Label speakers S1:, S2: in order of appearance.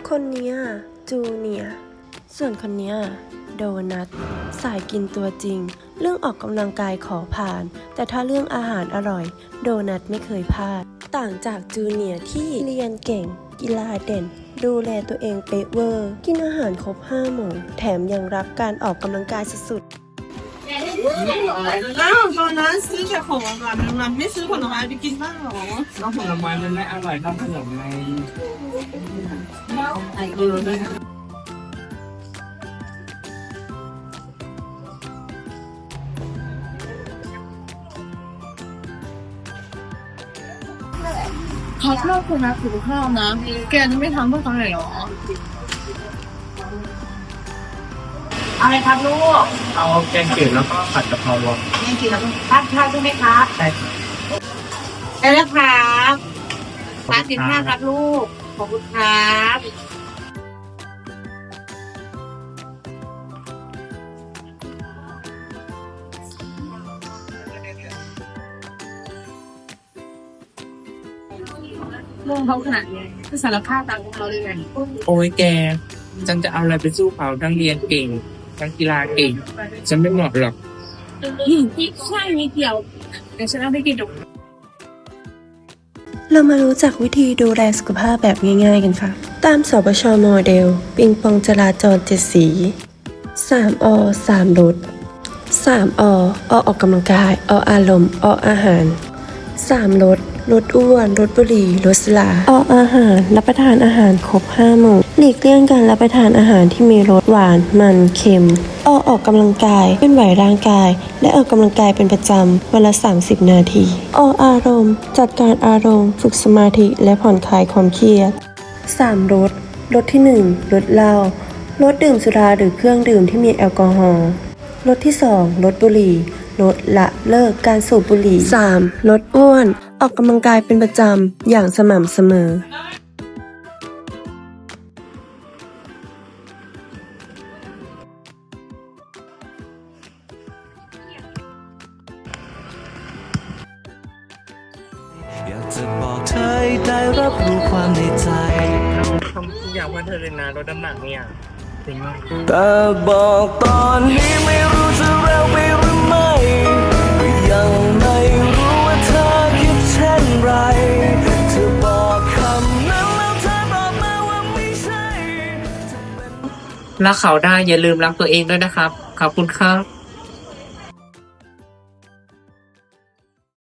S1: คนเนี้ยจูเนียร์ส่วนคนเนี้ยโดนัทสายกินตัวจริงเรื่องออกกำลังกายขอผ่านแต่ถ้าเรื่องอาหารอร่อยโดนัทไม่เคยพลาดต่างจากจูเนียร์ที่เรียนเก่งกีฬาเด่นดูแลตัวเองเป๊ะเวอร์กินอาหารครบ5 หมู่แถมยังรักการออกกำลังกายสุด
S2: อ้าวตอนนั้นซื้อแค่ของหวานมันไม่ซื้อผลไม้ไปกินบ้างหรอ
S3: ก็ผลไม้มันไม่อร่อยเท่าขนมไง
S2: เขาชอบคนรักสุขภาพนะแกจะไม่ทำเพื่อเขาหน่อยหรอ
S4: อะไรครับลูก
S3: เอาแกงจืดแล้วก็ผัดกะเพรา
S4: แกงจืดแล้วทานข้าวใช่ไหมครับ
S3: ใช่ครับ
S4: ได้แล้วครับ35ครับลูกขอบคุณครับ
S2: มองเขาขนาดนี้คือสารภาพตามเขาเลยไง
S3: โอ้ยแกฉันจะเอาอะไรไปสู้เขาทั้งเรียนเก่งทั้งกีฬาเก่งฉันไม่เหมาะหรอก
S2: พี่ใช่นิดเดียวเดี๋ยวฉันเอาไปกินดู
S1: ๆเรามารู้จักวิธีดูแลสุขภาพแบบง่ายๆกันค่ะตามสปช.โมเดลปิงปองจราจร7 สี3 อ 3 ลด3 อ ออกกำลังกายออารมณ์ออาหาร3 ลดอ้วนลดบุหรี่ลดสุราออาหารรับประทานอาหารครบ5 หมู่หลีกเลี่ยงการรับประทานอาหารที่มีรสหวานมันเค็มออกกำลังกายเคลื่อนไหวร่างกายและออกกำลังกายเป็นประจำวันละ30 นาทีอารมณ์จัดการอารมณ์ฝึกสมาธิและผ่อนคลายความเครียด3 ลดที่1ลดเหล้าลดดื่มสุราหรือเครื่องดื่มที่มีแอลกอฮอล์ลดที่2ลดบุหรี่ลดละเลิกการสูบบุหรี่3ลดอ้วนออกกำลังกายเป็นประจำอย่างสม่ำเสมอ
S5: อยากจะบอกเธอให้ได้รับรู้ความในใจ
S3: ทำทุกอย่างเพื่อเธอเลยนะลดน้ำหนักเนี่ยจริงมาก
S5: แต่บอกตอนนี้ไม่รู้จะเร็วไปหรือไม่ก็ยังไม่รู้ว่าเธอคิดเช่นไรเธอบอกคำนั้นแล้วเธอบอกมาว่าไม่ใช่
S3: รักเขาได้อย่าลืมรักตัวเองด้วยนะครับขอบคุณครับ